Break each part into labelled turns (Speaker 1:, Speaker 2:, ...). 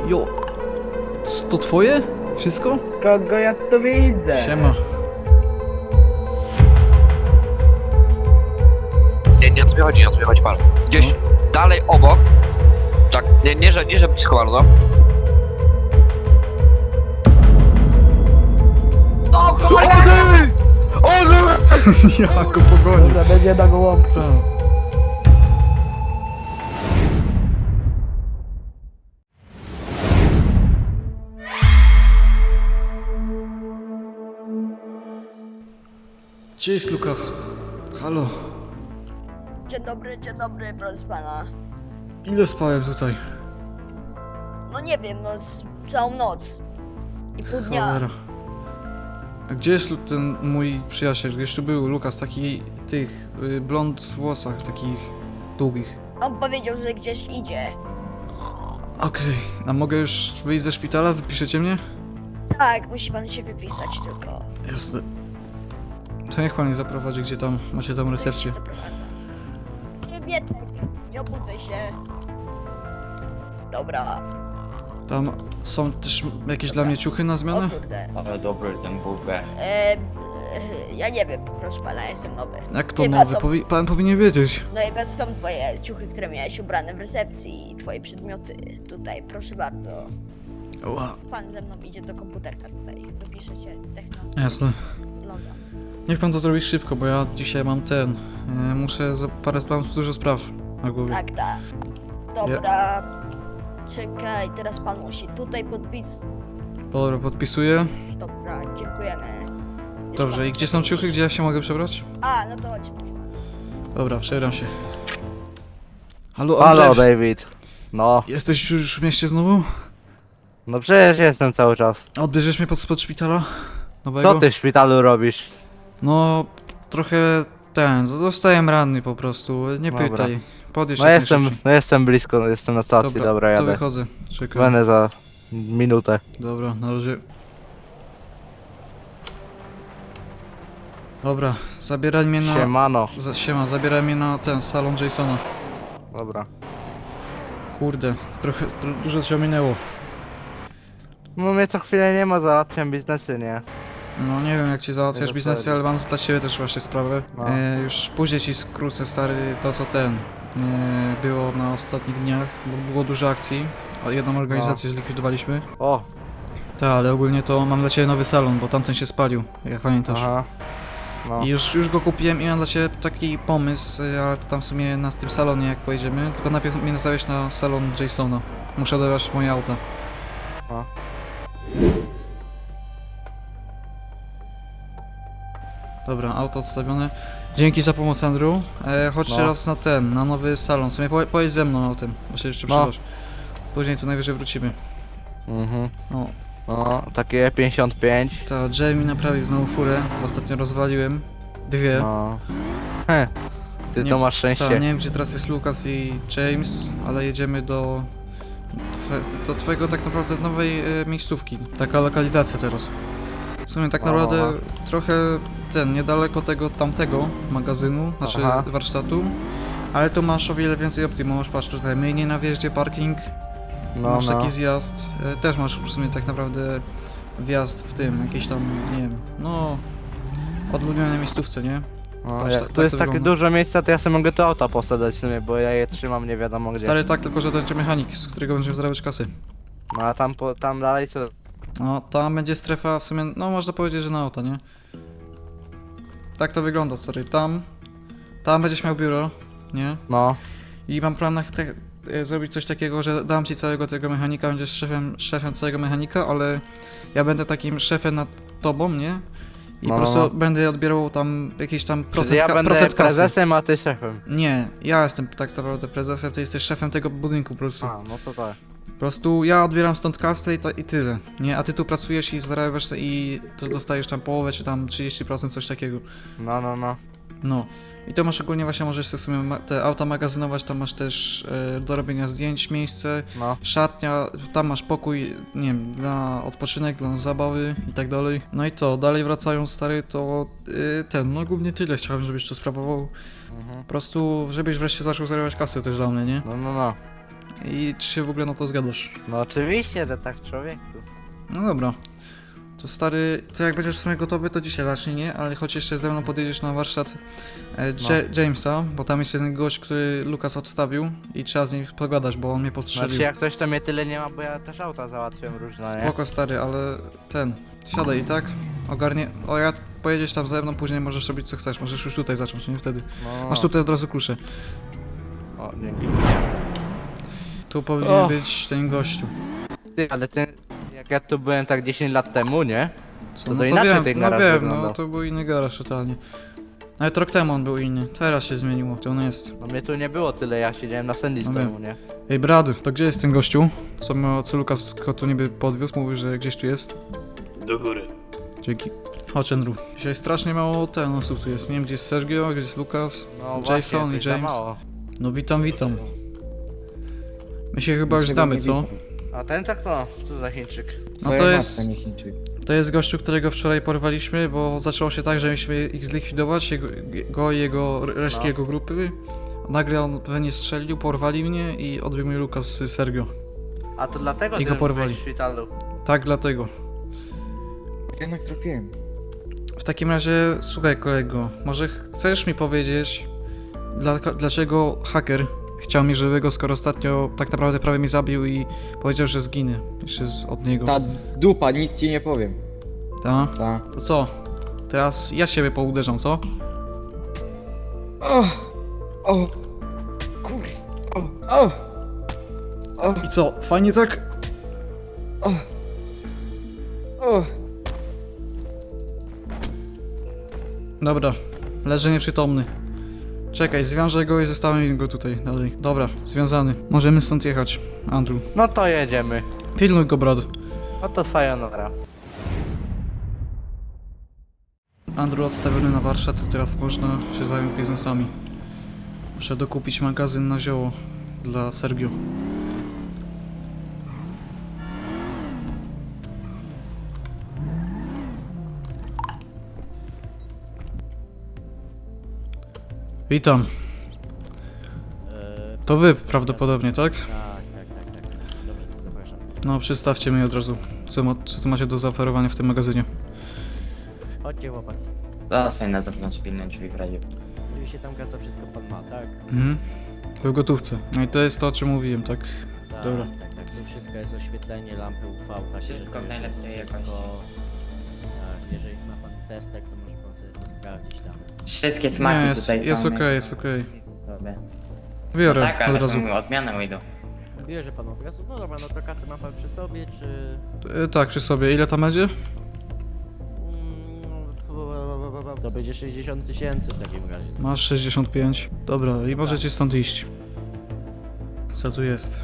Speaker 1: Jo. To twoje? Wszystko?
Speaker 2: Kogo ja tu widzę?
Speaker 1: Siema.
Speaker 3: Nie o to mi chodzi pan. Gdzieś dalej obok, tak, nie że blisko bardzo. O kurde!
Speaker 1: Ja go pogonił.
Speaker 2: Dobra, będzie na gołąbka.
Speaker 1: Tak. Gdzie jest Lukas? Halo.
Speaker 4: Dzień dobry, proszę pana.
Speaker 1: Ile spałem tutaj?
Speaker 4: No nie wiem, no całą noc. I pół dnia.
Speaker 1: Cholera. A gdzie jest ten mój przyjaciel? Gdzieś tu był Lukas, taki blond w włosach, takich długich.
Speaker 4: On powiedział, że gdzieś idzie.
Speaker 1: Okej, a mogę już wyjść ze szpitala? Wypiszecie mnie?
Speaker 4: Tak, musi pan się wypisać tylko.
Speaker 1: Jasne. To niech pan mnie zaprowadzi, gdzie tam macie tam recepcję.
Speaker 4: Się zaprowadza. Wietek, nie obudzę się. Dobra.
Speaker 1: Tam są też jakieś dla mnie ciuchy na
Speaker 4: O
Speaker 1: zmianę?
Speaker 4: kurde.
Speaker 5: Ale dobry ten bułkę.
Speaker 4: Ja nie wiem, proszę pana, ja jestem nowy.
Speaker 1: Jak to
Speaker 4: Chyba
Speaker 1: nowy?
Speaker 4: są-
Speaker 1: Pan powinien wiedzieć.
Speaker 4: No i bez są twoje ciuchy, które miałeś ubrane w recepcji i twoje przedmioty. Tutaj, proszę bardzo.
Speaker 1: Ła.
Speaker 4: Pan ze mną idzie do komputerka tutaj. Wypiszecie techno.
Speaker 1: Jasne.
Speaker 4: Loga.
Speaker 1: Niech pan to zrobi szybko, bo ja dzisiaj mam muszę mam dużo spraw na głowie.
Speaker 4: Tak, tak. Dobra. Czekaj, teraz pan musi tutaj podpisać.
Speaker 1: Dobra, podpisuję.
Speaker 4: Dobra, dziękujemy. Już
Speaker 1: Dobrze,
Speaker 4: pan-
Speaker 1: i gdzie są ciuchy? Gdzie ja się mogę przebrać?
Speaker 4: A, no to chodź.
Speaker 1: Dobra, przebieram się. Halo,
Speaker 6: Halo,
Speaker 1: Andrzej.
Speaker 6: David. No,
Speaker 1: Jesteś już w mieście znowu?
Speaker 6: no przecież jestem cały czas.
Speaker 1: A odbierzesz mnie spod szpitala? Nowego?
Speaker 6: Co ty w szpitalu robisz?
Speaker 1: No, trochę zostałem ranny po prostu, nie
Speaker 6: Dobra.
Speaker 1: pytaj. Podjedź
Speaker 6: No
Speaker 1: jak
Speaker 6: jestem,
Speaker 1: najszybciej.
Speaker 6: no jestem blisko, jestem na stacji, dobra,
Speaker 1: to
Speaker 6: jadę.
Speaker 1: wychodzę, czekaj.
Speaker 6: Będę za minutę.
Speaker 1: Dobra, na razie. Dobra, zabieraj mnie na...
Speaker 6: Siemano.
Speaker 1: Siema, zabieraj mnie na ten salon Jasona.
Speaker 6: Dobra.
Speaker 1: Kurde, trochę dużo się minęło.
Speaker 6: No mnie co chwilę nie ma, załatwiam biznesy, nie?
Speaker 1: No nie wiem jak ci załatwiasz
Speaker 6: Nie
Speaker 1: biznesy,
Speaker 6: dostaję.
Speaker 1: ale mam dla ciebie też właśnie sprawę.
Speaker 6: No.
Speaker 1: Już później ci skrócę stary to co było na ostatnich dniach, bo było dużo akcji. Jedną organizację zlikwidowaliśmy.
Speaker 6: O,
Speaker 1: Tak, ale ogólnie to mam dla ciebie nowy salon, bo tamten się spalił, jak pamiętasz.
Speaker 6: aha. No.
Speaker 1: I już go kupiłem i mam dla ciebie taki pomysł, ale to tam w sumie na tym salonie jak pojedziemy, tylko najpierw mnie nastawiać na salon Jasona. Muszę odebrać moje auta.
Speaker 6: A.
Speaker 1: Dobra, auto odstawione. Dzięki za pomoc, Andrew. Chodź
Speaker 6: No.
Speaker 1: teraz na nowy salon. W sumie pojedź ze mną autem, bo się jeszcze
Speaker 6: No.
Speaker 1: przydasz. Później tu najwyżej wrócimy.
Speaker 6: Mhm.
Speaker 1: O,
Speaker 6: No, takie 55.
Speaker 1: ta Jamie naprawił znowu furę, bo ostatnio rozwaliłem. Dwie.
Speaker 6: No. Heh. Ty
Speaker 1: Nie-
Speaker 6: to masz
Speaker 1: Ta,
Speaker 6: szczęście.
Speaker 1: nie wiem gdzie teraz jest Lucas i James, ale jedziemy do twojego tak naprawdę nowej miejscówki. Taka lokalizacja teraz. W sumie tak
Speaker 6: O.
Speaker 1: naprawdę trochę niedaleko tego tamtego magazynu, znaczy
Speaker 6: Aha.
Speaker 1: warsztatu. Ale tu masz o wiele więcej opcji, bo masz patrz tutaj myjnie na wjeździe, parking,
Speaker 6: No,
Speaker 1: masz
Speaker 6: no.
Speaker 1: taki zjazd, też masz w sumie tak naprawdę wjazd w tym, jakieś tam, nie wiem, no odludnionej miejscówce, nie?
Speaker 6: No,
Speaker 1: Patrz,
Speaker 6: jak
Speaker 1: tak
Speaker 6: tu jest
Speaker 1: to
Speaker 6: takie
Speaker 1: wygląda.
Speaker 6: dużo miejsca, to ja sobie mogę to auta posadzać w sumie, bo ja je trzymam nie wiadomo gdzie.
Speaker 1: Stary tak, tylko że to będzie mechanik, z którego będziemy zarabiać kasy.
Speaker 6: No a tam dalej co?
Speaker 1: No, tam będzie strefa w sumie, no można powiedzieć, że na auto, nie? Tak to wygląda, stary, tam będziesz miał biuro, nie?
Speaker 6: No.
Speaker 1: I mam plan zrobić coś takiego, że dam ci całego tego mechanika, będziesz szefem całego mechanika, ale ja będę takim szefem nad tobą, nie? I
Speaker 6: No,
Speaker 1: po prostu
Speaker 6: no.
Speaker 1: będę odbierał tam jakiś tam procent,
Speaker 6: Czyli ja będę
Speaker 1: procent kasy.
Speaker 6: prezesem, a ty szefem.
Speaker 1: Nie, ja jestem tak naprawdę prezesem, ty jesteś szefem tego budynku po prostu.
Speaker 6: A, no to tak.
Speaker 1: Po prostu ja odbieram stąd kasę i tyle, nie? A ty tu pracujesz i zarabiasz i to dostajesz tam połowę czy tam 30%, coś takiego.
Speaker 6: No, no, no.
Speaker 1: No. I to masz ogólnie właśnie, możesz sobie w sumie te auta magazynować, tam masz też do robienia zdjęć miejsce,
Speaker 6: No.
Speaker 1: szatnia, tam masz pokój, nie wiem, dla odpoczynek, dla zabawy i tak dalej. No i to, dalej wracając stary, to no głównie tyle chciałem, żebyś to sprawował.
Speaker 6: Mhm.
Speaker 1: Po prostu, żebyś wreszcie zaczął zarabiać kasę też dla mnie, nie?
Speaker 6: No, no, no.
Speaker 1: I czy się w ogóle na to zgadasz?
Speaker 6: No oczywiście, że tak, człowieku.
Speaker 1: No dobra. To stary, to jak będziesz w sumie gotowy, to dzisiaj raczej nie, ale choć jeszcze ze mną podjedziesz na warsztat Jamesa, bo tam jest jeden gość, który Lukas odstawił i trzeba z nim pogadać, bo on mnie postrzelił.
Speaker 6: Znaczy jak coś to mnie tyle nie ma, bo ja też auta załatwiam różne, nie?
Speaker 1: Spoko stary, ale siadaj i tak, ogarnie, ja pojedziesz tam ze mną, później możesz robić co chcesz, możesz już tutaj zacząć, nie? Wtedy.
Speaker 6: No.
Speaker 1: Masz tutaj od razu klucze.
Speaker 6: O, dzięki.
Speaker 1: Tu powinien być ten gościu.
Speaker 6: Ty, ale ty, jak ja tu byłem tak 10 lat temu, nie?
Speaker 1: Co?
Speaker 6: To
Speaker 1: No to
Speaker 6: inaczej
Speaker 1: wiem,
Speaker 6: ten
Speaker 1: no
Speaker 6: garaż
Speaker 1: wiem,
Speaker 6: wyglądał.
Speaker 1: no to był inny garaż totalnie. Nawet rok temu on był inny, teraz się zmieniło, to on jest.
Speaker 6: No mnie tu nie było tyle, ja siedziałem na Sandy
Speaker 1: No
Speaker 6: temu, nie?
Speaker 1: Ej Brad, to gdzie jest ten gościu? Co Lukas go tu niby podwiózł, mówił, że gdzieś tu jest.
Speaker 5: Do góry.
Speaker 1: Dzięki. Chodź Andrew. Dzisiaj strasznie mało osób tu jest, nie wiem gdzie jest Sergio, gdzie jest Lukas,
Speaker 6: No
Speaker 1: Jason
Speaker 6: właśnie,
Speaker 1: i
Speaker 6: coś za
Speaker 1: James.
Speaker 6: mało.
Speaker 1: No witam. My się chyba już znamy, co?
Speaker 6: A ten tak to? Co za Chińczyk?
Speaker 1: No to jest gościu, którego wczoraj porwaliśmy, bo zaczęło się tak, że mieliśmy ich zlikwidować, go i resztki
Speaker 6: No.
Speaker 1: jego grupy. Nagle on pewnie strzelił, porwali mnie i odbił mnie Lukas z Sergio.
Speaker 6: A to dlatego
Speaker 1: I
Speaker 6: ty
Speaker 1: go porwali.
Speaker 6: byłeś w szpitalu.
Speaker 1: Tak, dlatego.
Speaker 7: Jednak trafiłem.
Speaker 1: W takim razie, słuchaj kolego, może chcesz mi powiedzieć, dlaczego haker chciał mnie żywego, skoro ostatnio tak naprawdę prawie mnie zabił i powiedział, że zginę jeszcze od niego.
Speaker 7: Ta dupa, nic ci nie powiem.
Speaker 1: Ta?
Speaker 7: Ta.
Speaker 1: To co? Teraz ja siebie pouderzam, co?
Speaker 7: O! Kur... O!
Speaker 1: I co? Fajnie tak?
Speaker 7: O!
Speaker 1: Dobra, leży nieprzytomny. Czekaj, zwiążę go i zostawię go tutaj dalej. Dobra, związany. Możemy stąd jechać, Andrew.
Speaker 6: No to jedziemy.
Speaker 1: Pilnuj go, brat.
Speaker 6: No to sayonara.
Speaker 1: Andrew odstawiony na warsztat, to teraz można się zająć biznesami. Muszę dokupić magazyn na zioło dla Sergio. Witam. To wy prawdopodobnie, tak?
Speaker 5: Tak. Dobrze, to zapraszam.
Speaker 1: No, przedstawcie mi od razu, co macie do zaoferowania w tym magazynie.
Speaker 5: Chodźcie chłopaki.
Speaker 8: Zostań na zewnątrz, pilne drzwi w razie.
Speaker 5: Mówi się tam kasa, wszystko pan ma, tak?
Speaker 1: Mhm. W gotówce. No i to jest to, o czym mówiłem, tak?
Speaker 5: Tak,
Speaker 1: Dobra.
Speaker 5: tak. Tu wszystko jest oświetlenie, lampy UV, takie,
Speaker 8: Wszystko
Speaker 5: że to
Speaker 8: w najlepszej
Speaker 5: wszystko-
Speaker 8: jakości.
Speaker 5: Tak, jeżeli ma pan testek, to może pan sobie to sprawdzić tam.
Speaker 8: Wszystkie smaki
Speaker 1: Nie,
Speaker 8: tutaj
Speaker 1: jest
Speaker 8: są.
Speaker 1: okej, jest okej.
Speaker 8: Sobie.
Speaker 1: Biorę
Speaker 8: No tak, ale
Speaker 1: od razu.
Speaker 8: są odmiany wyjdą.
Speaker 5: Bierze pan od razu? No dobra, no to kasę ma pan przy sobie, czy...
Speaker 1: Tak, przy sobie. Ile tam będzie?
Speaker 5: To będzie 60 000 w takim razie.
Speaker 1: Masz 65. Dobra, i możecie stąd iść. Co tu jest?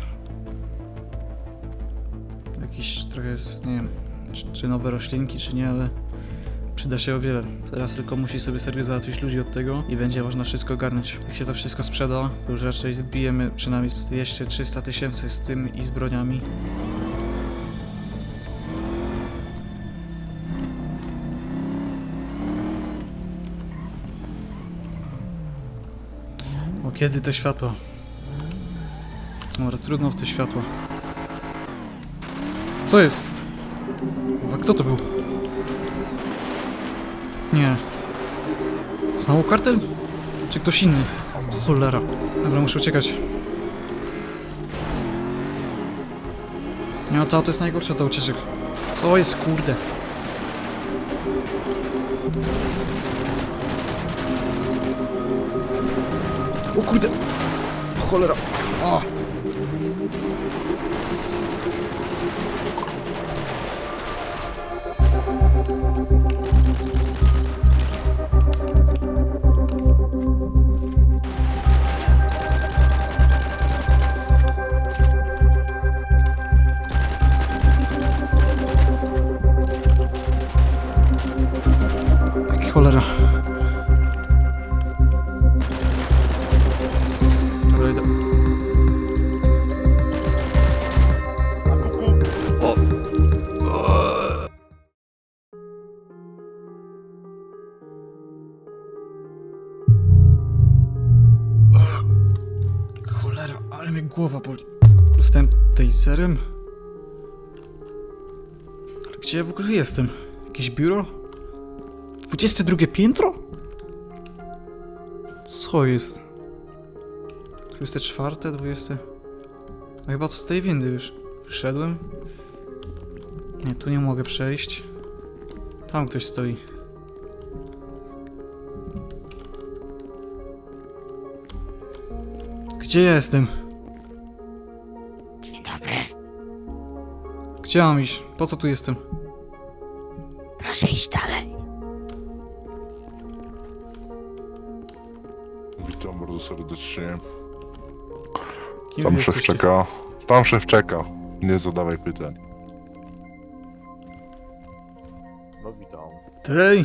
Speaker 1: Jakiś trochę jest, nie wiem, czy nowe roślinki, czy nie, ale przyda się o wiele. Teraz tylko musi sobie Sergio załatwić ludzi od tego i będzie można wszystko ogarnąć. Jak się to wszystko sprzeda, to już raczej zbijemy przynajmniej z 200-300 tysięcy z tym i z broniami. O, kiedy te światła? Dobra, trudno w te światła. Co jest? Kurwa, kto to był? Nie. Znowu kartel? Czy ktoś inny? O, cholera. Dobra, muszę uciekać. Nie, no to jest najgorsze do ucieczek. Co jest, kurde? O kurde! O, cholera! O! Cholera. Dobra, idę. Cholera, ale mnie głowa boli. dostałem taserem? Ale gdzie ja w ogóle jestem? Jakieś biuro? 22 piętro? Co jest? 24, 20... No chyba z tej windy już wyszedłem. Nie, tu nie mogę przejść. Tam ktoś stoi. Gdzie ja jestem?
Speaker 4: Dzień dobry.
Speaker 1: Gdzie mam iść? Po co tu jestem?
Speaker 4: Proszę iść dalej.
Speaker 9: Witam bardzo serdecznie.
Speaker 1: Kim
Speaker 9: Tam
Speaker 1: wy
Speaker 9: szef
Speaker 1: jesteście?
Speaker 9: czeka. Tam szef czeka. Nie zadawaj pytań.
Speaker 10: No witam.
Speaker 1: Trej!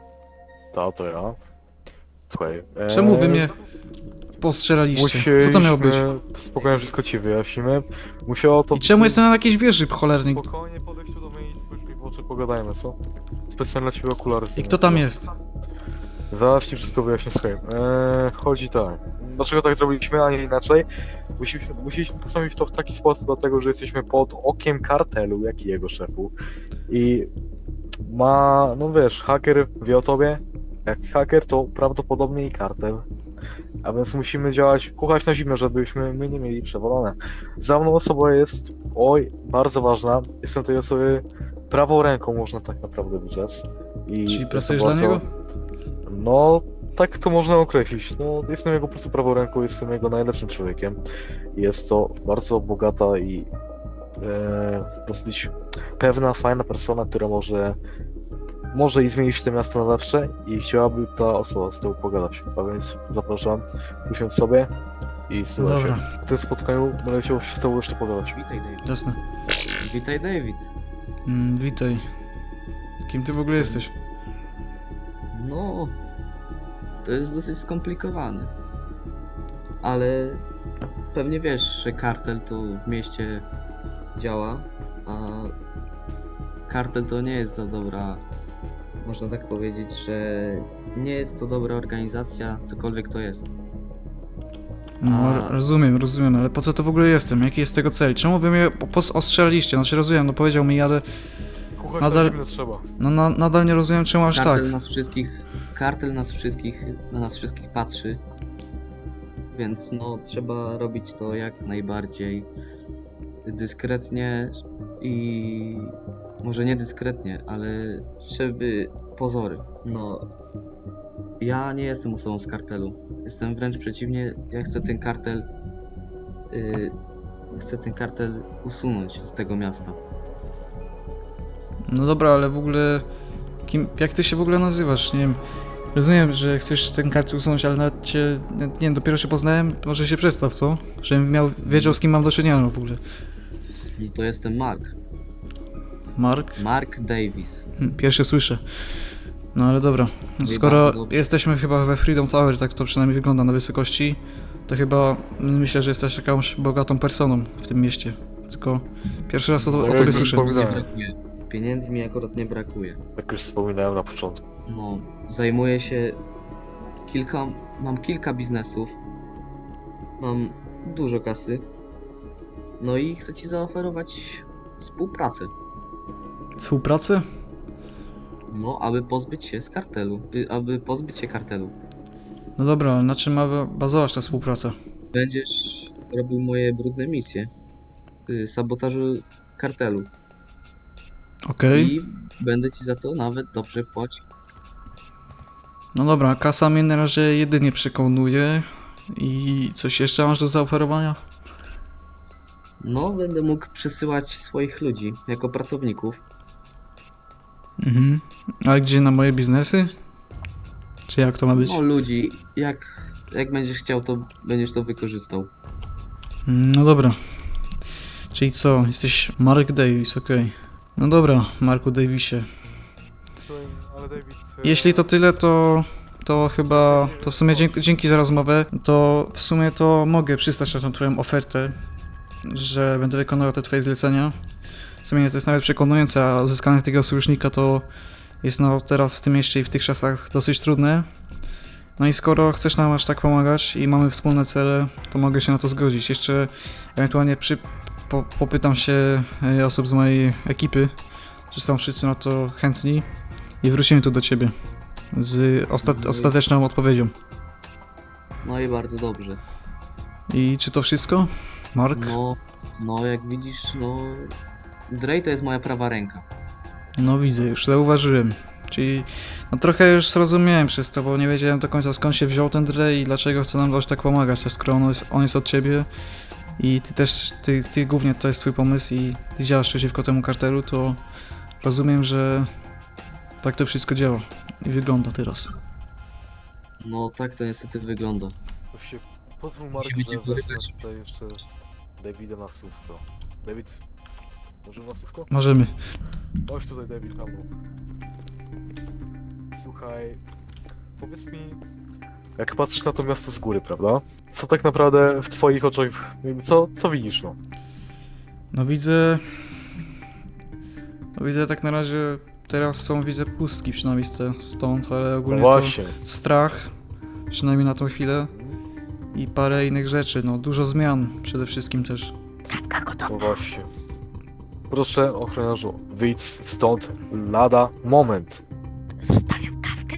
Speaker 10: To ja. Słuchaj.
Speaker 1: Czemu wy mnie postrzelaliście? Co to miało być?
Speaker 10: Spokojnie wszystko ci wyjaśnimy. Musiało to...
Speaker 1: I czemu jestem na jakiejś wieży cholernej?
Speaker 10: Spokojnie podejść tu do mnie i spójrz mi w oczy, pogadajmy, co? Specjalnie dla ciebie okulary.
Speaker 1: I kto tam jest?
Speaker 10: Zaraz ci wszystko wyjaśnię, słuchaj. Chodzi tak. Dlaczego tak zrobiliśmy, a nie inaczej? Musieliśmy postawić to w taki sposób, dlatego że jesteśmy pod okiem kartelu, jak i jego szefu. I no wiesz, haker wie o tobie. Jak haker, to prawdopodobnie i kartel. A więc musimy działać, kuchać na zimno, żebyśmy my nie mieli przewalone. Za mną osoba jest, bardzo ważna. Jestem tej osoby prawą ręką, można tak naprawdę wyczec.
Speaker 1: Czyli pracujesz dla niego?
Speaker 10: No, tak to można określić. No, jestem jego po prostu prawą ręką, jestem jego najlepszym człowiekiem. Jest to bardzo bogata i dosyć pewna, fajna persona, która może i zmienić to miasto na lepsze i chciałaby ta osoba z tobą pogadać. A więc zapraszam, usiądź sobie i słuchaj się.
Speaker 1: Dobra,
Speaker 10: W tym spotkaniu będę chciał z tobą jeszcze pogadać.
Speaker 11: Witaj, David.
Speaker 1: jasne.
Speaker 11: Witaj, David.
Speaker 1: Witaj. Kim ty w ogóle jesteś?
Speaker 11: No, to jest dosyć skomplikowane. Ale pewnie wiesz, że kartel to w mieście działa, a kartel to nie jest za dobra, można tak powiedzieć, że nie jest to dobra organizacja, cokolwiek to jest.
Speaker 1: No,
Speaker 11: A-
Speaker 1: rozumiem, ale po co to w ogóle jestem? Jaki jest tego cel? Czemu wy mnie ostrzelaliście? Znaczy rozumiem, no powiedział mi, ale
Speaker 10: Kuchać
Speaker 1: Nadal-
Speaker 10: na zimno trzeba.
Speaker 1: no nadal nie rozumiem czemu aż tak.
Speaker 11: Kartel na nas wszystkich patrzy. Więc no, trzeba robić to jak najbardziej dyskretnie i może nie dyskretnie, ale żeby pozory. No, ja nie jestem osobą z kartelu. Jestem wręcz przeciwnie, ja chcę ten kartel usunąć z tego miasta.
Speaker 1: No dobra, ale w ogóle... Jak ty się w ogóle nazywasz? Nie wiem. Rozumiem, że chcesz ten kartel usunąć, ale nawet cię... Nie wiem, dopiero się poznałem. Może się przedstaw, co? Żebym wiedział, z kim mam do czynienia w ogóle.
Speaker 11: No to jestem Mark.
Speaker 1: Mark?
Speaker 11: Mark Davis.
Speaker 1: Pierwszy słyszę. No ale dobra.
Speaker 11: No i
Speaker 1: Skoro
Speaker 11: bardzo dobrze.
Speaker 1: jesteśmy chyba we Freedom Tower, tak to przynajmniej wygląda na wysokości, to chyba myślę, że jesteś jakąś bogatą personą w tym mieście. Tylko pierwszy raz o
Speaker 10: No,
Speaker 1: tobie
Speaker 10: jakby
Speaker 1: słyszę.
Speaker 11: Nie
Speaker 10: wspominałem.
Speaker 11: brakuje. Pieniędzy mi akurat nie brakuje.
Speaker 10: Jak już wspominałem na początku.
Speaker 11: No, zajmuję się mam kilka biznesów. Mam dużo kasy. No i chcę ci zaoferować współpracę.
Speaker 1: Współpracę?
Speaker 11: No, aby pozbyć się kartelu.
Speaker 1: No dobra, ale na czym ma bazować ta współpraca?
Speaker 11: Będziesz robił moje brudne misje. Sabotażu kartelu.
Speaker 1: Okej.
Speaker 11: I będę ci za to nawet dobrze płacił.
Speaker 1: No dobra, kasa mnie na razie jedynie przekonuje. I coś jeszcze masz do zaoferowania?
Speaker 11: No, będę mógł przesyłać swoich ludzi jako pracowników.
Speaker 1: Mhm. A gdzie, na moje biznesy? Czy jak to ma być?
Speaker 11: No, ludzi, jak będziesz chciał, to będziesz to wykorzystał.
Speaker 1: No dobra. Czyli co? Jesteś Mark Davis, okej. No dobra, Marku Davisie.
Speaker 10: Słuchaj, ale David...
Speaker 1: Jeśli to tyle, to chyba, to w sumie dzięki za rozmowę, to w sumie to mogę przystać na tą twoją ofertę, że będę wykonywał te twoje zlecenia. W sumie to jest nawet przekonujące, a uzyskanie takiego sojusznika to jest no teraz w tym mieście i w tych czasach dosyć trudne. No i skoro chcesz nam aż tak pomagać i mamy wspólne cele, to mogę się na to zgodzić. Jeszcze ewentualnie popytam się osób z mojej ekipy, czy są wszyscy na to chętni i wrócimy tu do ciebie z ostateczną odpowiedzią.
Speaker 11: No i bardzo dobrze.
Speaker 1: I czy to wszystko, Mark?
Speaker 11: No jak widzisz, no... Drej to jest moja prawa ręka.
Speaker 1: No widzę, już zauważyłem. Czyli no trochę już zrozumiałem przez to, bo nie wiedziałem do końca skąd się wziął ten Dre i dlaczego chce nam aż tak pomagać, skoro on jest od ciebie i ty też, ty głównie to jest twój pomysł i ty działasz przeciwko temu kartelu, to rozumiem, że tak to wszystko działa i wygląda teraz.
Speaker 11: No tak to niestety wygląda.
Speaker 10: Właśnie, pozwól Mark,
Speaker 11: Musimy cię
Speaker 10: że wezmę
Speaker 11: porywać.
Speaker 10: tutaj jeszcze Davida na słówko. David, może na słówko?
Speaker 1: Możemy.
Speaker 10: Chodź tutaj, David, tam. Słuchaj, powiedz mi, jak patrzysz na to miasto z góry, prawda? Co tak naprawdę w twoich oczach, co widzisz, no?
Speaker 1: No widzę tak na razie, teraz widzę pustki przynajmniej stąd, ale
Speaker 10: No
Speaker 1: ogólnie to
Speaker 10: właśnie.
Speaker 1: strach, przynajmniej na tą chwilę i parę innych rzeczy, no dużo zmian przede wszystkim też.
Speaker 10: No właśnie. Proszę, ochroniarzu, wyjdź stąd lada moment.
Speaker 4: Zostawiam kawkę.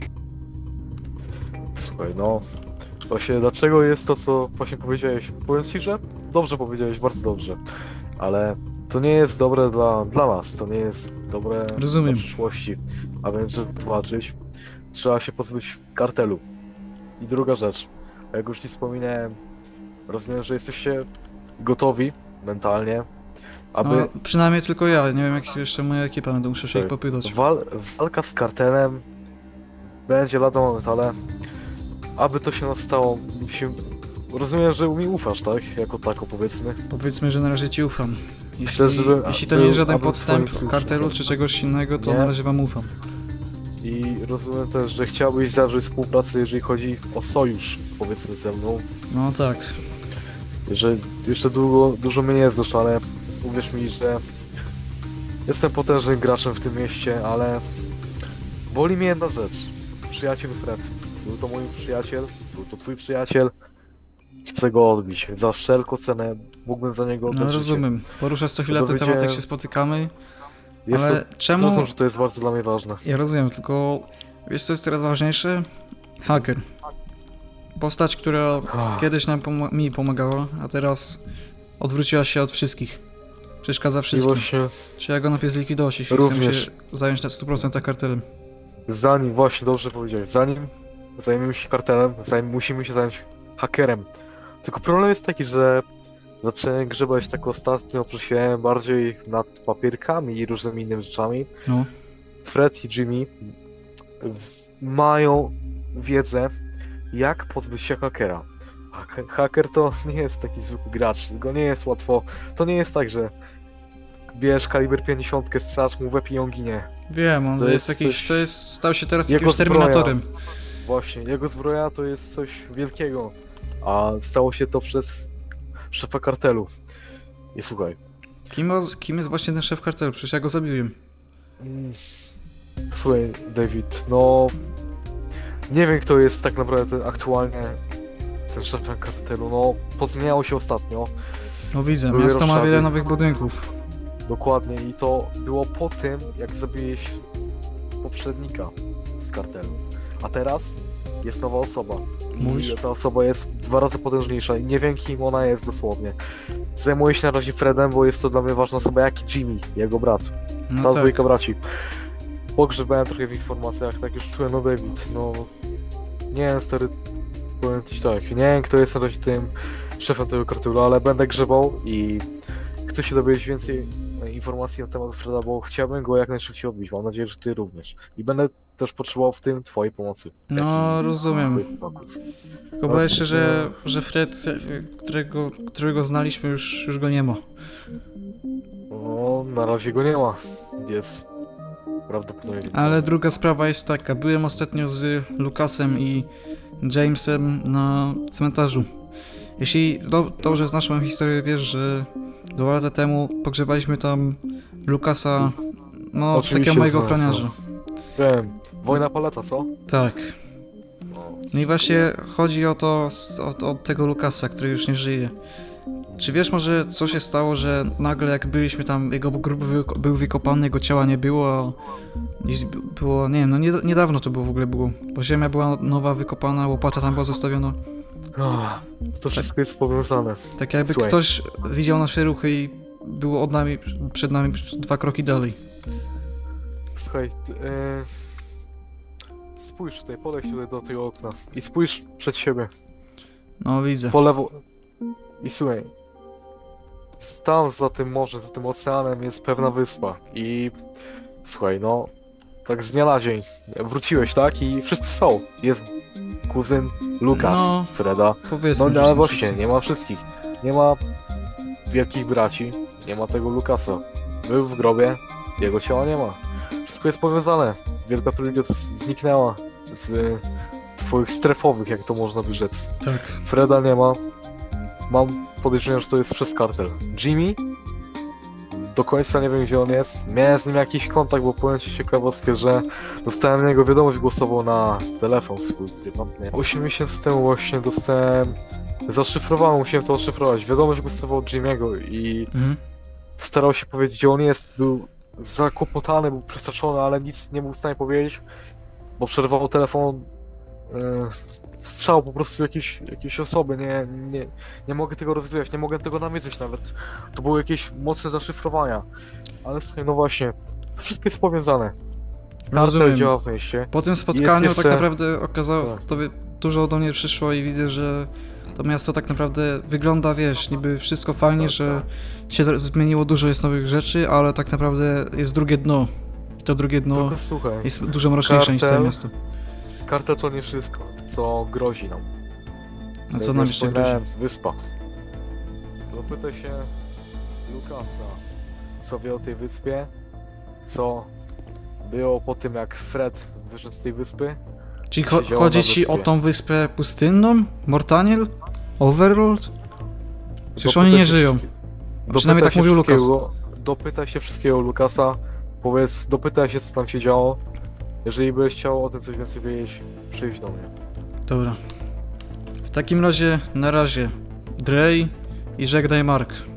Speaker 10: Słuchaj, no... Właśnie, dlaczego jest to, co właśnie powiedziałeś? Powiem ci, że dobrze powiedziałeś, bardzo dobrze. Ale to nie jest dobre dla nas, to nie jest dobre
Speaker 1: Rozumiem.
Speaker 10: dla przyszłości. A więc, żeby tłumaczyć, trzeba się pozbyć kartelu. I druga rzecz, jak już ci wspominałem, rozumiem, że jesteście gotowi mentalnie, aby...
Speaker 1: No, przynajmniej tylko ja, nie wiem jak jeszcze moja ekipa, będę muszę się ich popytać.
Speaker 10: Walka z kartelem będzie lada moment, ale aby to się nastało, rozumiem, że mi ufasz, tak? Jako tako, powiedzmy.
Speaker 1: Powiedzmy, że na razie ci ufam.
Speaker 10: Chcesz, żeby-
Speaker 1: Jeśli to nie jest żaden
Speaker 10: aby
Speaker 1: podstęp
Speaker 10: twoim
Speaker 1: kartelu
Speaker 10: słusznikiem.
Speaker 1: czy czegoś innego, to
Speaker 10: Nie.
Speaker 1: na razie wam ufam.
Speaker 10: I rozumiem też, że chciałbyś zawrzeć współpracę, jeżeli chodzi o sojusz, powiedzmy, ze mną.
Speaker 1: No tak.
Speaker 10: Że jeszcze dużo mnie nie znasz, ale uwierz mi, że jestem potężnym graczem w tym mieście, ale boli mnie jedna rzecz. Przyjaciel Fred. Był to mój przyjaciel, był to twój przyjaciel. Chcę go odbić. Za wszelką cenę mógłbym za niego oddać
Speaker 1: No
Speaker 10: życie.
Speaker 1: rozumiem. Poruszasz co chwilę ten
Speaker 10: Dowiedziałem-
Speaker 1: temat, jak się spotykamy,
Speaker 10: Jest
Speaker 1: ale
Speaker 10: to,
Speaker 1: czemu...
Speaker 10: Zrozum, że to jest bardzo dla mnie ważne.
Speaker 1: Ja rozumiem, tylko wiesz co jest teraz ważniejsze? Haker. Postać, która kiedyś mi pomagała, a teraz odwróciła się od wszystkich. Przeszkadza
Speaker 10: I
Speaker 1: wszystkim.
Speaker 10: właśnie
Speaker 1: Trzeba go najpierw zlikwidować, jeśli chcemy
Speaker 10: Również.
Speaker 1: się zająć na 100% kartelem.
Speaker 10: zanim, właśnie dobrze powiedziałeś, zanim zajmiemy się kartelem, musimy się zająć hakerem. Tylko problem jest taki, że zacząłem grzebać tak ostatnio, przesiałem bardziej nad papierkami i różnymi innymi rzeczami.
Speaker 1: No.
Speaker 10: Fred i Jimmy mają wiedzę, jak pozbyć się hakera. Haker to nie jest taki zwykły gracz, go nie jest łatwo. To nie jest tak, że bierz kaliber 50, strzelasz mu w łeb i on ginie.
Speaker 1: Wiem, on
Speaker 10: To
Speaker 1: jest
Speaker 10: jest
Speaker 1: jakiś,
Speaker 10: coś-
Speaker 1: to jest, stał się teraz
Speaker 10: Jego
Speaker 1: jakimś
Speaker 10: zbroja.
Speaker 1: terminatorem.
Speaker 10: Właśnie, jego zbroja to jest coś wielkiego, a stało się to przez szefa kartelu. I słuchaj,
Speaker 1: Kim jest właśnie ten szef kartelu? Przecież ja go zabiłem.
Speaker 10: słuchaj David, no nie wiem kto jest tak naprawdę aktualnie ten szef kartelu, no pozmieniało się ostatnio,
Speaker 1: No widzę,
Speaker 10: Były
Speaker 1: miasto ma
Speaker 10: roszady.
Speaker 1: wiele nowych budynków.
Speaker 10: dokładnie i to było po tym jak zabiłeś poprzednika z kartelu, a teraz jest nowa osoba.
Speaker 1: Mówisz?
Speaker 10: I ta osoba jest 2 razy potężniejsza i nie wiem kim ona jest dosłownie. Zajmuję się na razie Fredem, bo jest to dla mnie ważna osoba jak i Jimmy, jego brat.
Speaker 1: No
Speaker 10: Ta
Speaker 1: tak.
Speaker 10: dwójka braci. Pogrzebałem trochę w informacjach, tak już czułem, no David, no... Nie wiem, stary, powiem ci tak, nie wiem kto jest na razie tym szefem tego kartelu, ale będę grzebał i chcę się dowiedzieć więcej informacji na temat Freda, bo chciałbym go jak najszybciej odbić, mam nadzieję, że ty również. I będę też potrzebował w tym twojej pomocy.
Speaker 1: No rozumiem. Tylko boję się, że
Speaker 10: No.
Speaker 1: Fred, którego znaliśmy, już go nie ma.
Speaker 10: No, na razie go nie ma. Jest prawdopodobnie.
Speaker 1: Ale druga sprawa jest taka, byłem ostatnio z Lucasem i Jamesem na cmentarzu. Jeśli dobrze znasz moją historię, wiesz, że 2 lata temu pogrzebaliśmy tam Lucasa, no
Speaker 10: Oczywiście
Speaker 1: takiego mojego
Speaker 10: znam,
Speaker 1: ochroniarza.
Speaker 10: Wiem. Wojna paleta, co?
Speaker 1: Tak.
Speaker 10: No.
Speaker 1: No i właśnie chodzi o to, o tego Lucasa, który już nie żyje. Czy wiesz może, co się stało, że nagle jak byliśmy tam, jego grób był wykopany, jego ciała nie było, a było, nie wiem, no niedawno to było w ogóle było, bo ziemia była nowa, wykopana, łopata tam była zostawiona.
Speaker 10: To wszystko jest powiązane.
Speaker 1: Tak jakby
Speaker 10: Słuchaj.
Speaker 1: ktoś widział nasze ruchy i było przed nami 2 kroki dalej.
Speaker 10: Słuchaj, spójrz tutaj, podejdź tutaj do tego okna i spójrz przed siebie,
Speaker 1: No widzę.
Speaker 10: po lewo. I słuchaj, tam za tym morzem, za tym oceanem jest pewna wyspa i słuchaj, no, tak z dnia na dzień wróciłeś, tak? I wszyscy są. Jest kuzyn Lukas,
Speaker 1: No,
Speaker 10: Freda.
Speaker 1: Powiedzmy,
Speaker 10: No
Speaker 1: że
Speaker 10: ale
Speaker 1: są
Speaker 10: właśnie,
Speaker 1: wszyscy.
Speaker 10: nie ma wszystkich. Nie ma wielkich braci, nie ma tego Lukasa. Był w grobie, jego ciała nie ma. Wszystko jest powiązane. Wielka Trójka zniknęła z twoich strefowych, jak to można by rzec.
Speaker 1: Tak.
Speaker 10: Freda nie ma. Mam podejrzenie, że to jest przez kartel. Jimmy? Do końca nie wiem, gdzie on jest. Miałem z nim jakiś kontakt, bo powiem ci ciekawostkę, że dostałem na niego wiadomość głosową na telefon swój prywatny. 8 miesięcy temu właśnie dostałem... Zaszyfrowałem, musiałem to odszyfrować. Wiadomość głosową od Jimmy'ego i
Speaker 1: Mhm.
Speaker 10: starał się powiedzieć, gdzie on jest. Był zakłopotany, był przestraszony, ale nic nie był w stanie powiedzieć, bo przerwał telefon. Strzał po prostu jakiejś osoby. Nie mogę tego rozwijać, nie mogę tego namierzyć nawet. To były jakieś mocne zaszyfrowania. Ale słuchaj, no właśnie, wszystko jest powiązane. Kartel
Speaker 1: Rozumiem.
Speaker 10: działa w mieście.
Speaker 1: Po tym spotkaniu
Speaker 10: jeszcze-
Speaker 1: tak naprawdę okazało,
Speaker 10: Tak.
Speaker 1: dużo do mnie przyszło i widzę, że to miasto tak naprawdę wygląda, wiesz, niby wszystko fajnie,
Speaker 10: Tak,
Speaker 1: że się zmieniło, dużo jest nowych rzeczy, ale tak naprawdę jest drugie dno. I to drugie dno
Speaker 10: Tylko słuchaj,
Speaker 1: jest dużo mroczniejsze niż całe
Speaker 10: kartel-
Speaker 1: miasto.
Speaker 10: kartel to nie wszystko, co grozi nam.
Speaker 1: A co
Speaker 10: Jak
Speaker 1: nam
Speaker 10: już
Speaker 1: jeszcze grozi?
Speaker 10: wspominałem, Wyspa. Dopytaj się Lukasa, co wie o tej wyspie, co było po tym, jak Fred wyszedł z tej wyspy.
Speaker 1: Czyli
Speaker 10: siedziała
Speaker 1: chodzi
Speaker 10: na
Speaker 1: ci o
Speaker 10: wyspie.
Speaker 1: tą wyspę pustynną? Mortaniel? Overlord? Przecież
Speaker 10: Dopytaj
Speaker 1: oni nie
Speaker 10: się
Speaker 1: żyją.
Speaker 10: wszystkie-
Speaker 1: Przynajmniej tak
Speaker 10: dopytaj się
Speaker 1: mówił Lukas.
Speaker 10: wszystkiego- Dopytaj się wszystkiego o Lukasa, dopytaj się, co tam się działo. Jeżeli byś chciał o tym coś więcej wiedzieć, przyjdź do mnie.
Speaker 1: Dobra. W takim razie, na razie, Drej i żegnaj Mark.